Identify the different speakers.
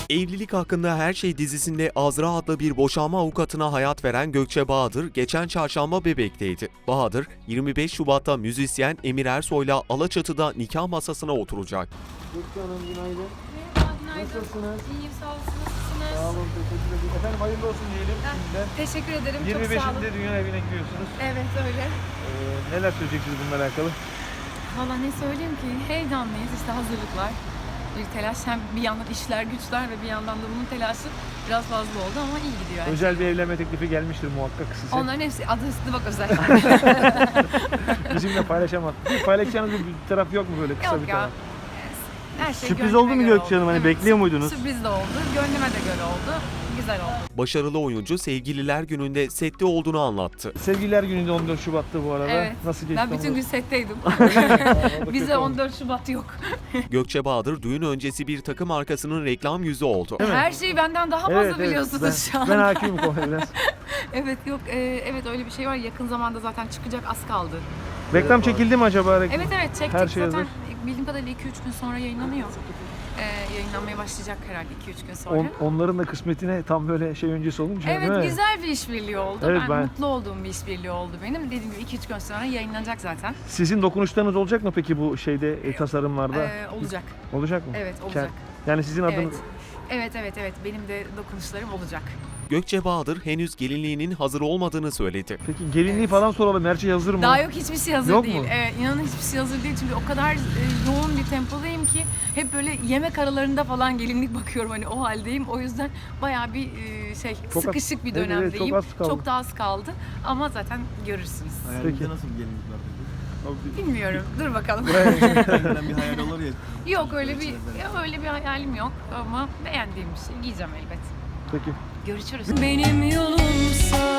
Speaker 1: Evlilik Hakkında Her Şey dizisinde Azra adlı bir boşanma avukatına hayat veren Gökçe Bahadır geçen çarşamba Bebek'teydi. Bahadır, 25 Şubat'ta müzisyen Emir Ersoy'la Alaçatı'da nikah masasına oturacak.
Speaker 2: Gökçe Hanım günaydın.
Speaker 3: Merhaba, günaydın.
Speaker 2: Nasılsınız?
Speaker 3: İyiyim, sağ olun. Nasılsınız?
Speaker 2: Sağ olun, teşekkür ederim. Efendim hayırlı olsun diyelim şimdiden.
Speaker 3: Teşekkür ederim, çok sağ olun.
Speaker 2: 25'inde dünya evine giriyorsunuz.
Speaker 3: Evet, öyle.
Speaker 2: Neler söyleyeceksiniz bununla alakalı?
Speaker 3: Valla ne söyleyeyim ki, heyecanlıyız işte, hazırlıklar. Bir telaş, hem bir yandan işler güçler ve bir yandan da bunun telaşı biraz fazla oldu ama iyi gidiyor. Yani.
Speaker 2: Özel bir evlenme teklifi gelmiştir muhakkak size.
Speaker 3: Onların hepsi adı üstünde bak özel.
Speaker 2: Bizimle paylaşamaz. Paylaşacağınız bir taraf yok mu böyle kısa
Speaker 3: Yok
Speaker 2: bir
Speaker 3: ya.
Speaker 2: taraf?
Speaker 3: Her şey
Speaker 4: Sürpriz
Speaker 3: gönlüme
Speaker 4: oldu mu
Speaker 3: göre
Speaker 4: Gökçe Hanım?
Speaker 3: oldu.
Speaker 4: Hani bekliyor muydunuz?
Speaker 3: Sürpriz de oldu, gönlüme de göre oldu. Güzel oldu.
Speaker 1: Başarılı oyuncu Sevgililer Günü'nde sette olduğunu anlattı.
Speaker 2: Sevgililer Günü'nde 14 Şubat'ta bu arada.
Speaker 3: Evet.
Speaker 2: Nasıl geçti?
Speaker 3: Ben bütün gün setteydim.
Speaker 2: Orada
Speaker 3: Bize
Speaker 2: kötü olmuş.
Speaker 3: 14 Şubat yok.
Speaker 1: Gökçe Bahadır düğün öncesi bir takım markasının reklam yüzü oldu.
Speaker 2: Değil mi?
Speaker 3: Her şeyi benden daha fazla biliyorsunuz şu an.
Speaker 2: Ben hakimim konuya biraz.
Speaker 3: Evet yok evet öyle bir şey var. Yakın zamanda zaten çıkacak, az kaldı.
Speaker 2: Reklam çekildi mi acaba?
Speaker 3: Evet çektik
Speaker 2: Her şey
Speaker 3: zaten.
Speaker 2: hazır.
Speaker 3: Bildiğim kadarıyla 2-3 gün sonra yayınlanıyor. Yayınlanmaya başlayacak herhalde 2-3 gün sonra.
Speaker 2: Onların da kısmetine tam böyle şey öncesi olunca değil
Speaker 3: Evet
Speaker 2: mi?
Speaker 3: güzel bir işbirliği oldu.
Speaker 2: Evet,
Speaker 3: ben
Speaker 2: ben-
Speaker 3: mutlu olduğum bir işbirliği oldu benim. Dediğim gibi 2-3 gün sonra yayınlanacak zaten.
Speaker 2: Sizin dokunuşlarınız olacak mı peki bu şeyde tasarımlarda?
Speaker 3: Olacak.
Speaker 2: Olacak mı?
Speaker 3: Evet olacak.
Speaker 2: Yani sizin adınız...
Speaker 3: Evet. Benim de dokunuşlarım olacak.
Speaker 1: Gökçe Bahadır henüz gelinliğinin hazır olmadığını söyledi.
Speaker 2: Peki gelinliği falan soralım. Her şey hazır mı?
Speaker 3: Daha yok, hiçbir şey hazır
Speaker 2: Yok
Speaker 3: değil.
Speaker 2: mu?
Speaker 3: Evet, inanın hiçbir şey hazır değil çünkü o kadar yoğun bir tempodayım ki hep böyle yemek aralarında falan gelinlik bakıyorum, hani o haldeyim. O yüzden bayağı bir
Speaker 2: Çok az-
Speaker 3: sıkışık bir
Speaker 2: evet,
Speaker 3: dönemdeyim.
Speaker 2: çok az kaldı.
Speaker 3: Çok da az kaldı ama zaten görürsünüz.
Speaker 4: Hayalinizde
Speaker 2: Peki.
Speaker 4: nasıl bir gelinlik var peki?
Speaker 3: Bilmiyorum. Dur bakalım.
Speaker 4: Herkesten bir hayal olur ya.
Speaker 3: Yok öyle bir hayalim yok ama beğendiğim bir şey giyeceğim elbet.
Speaker 2: Peki.
Speaker 3: Görüşürüz. Benim yolumsa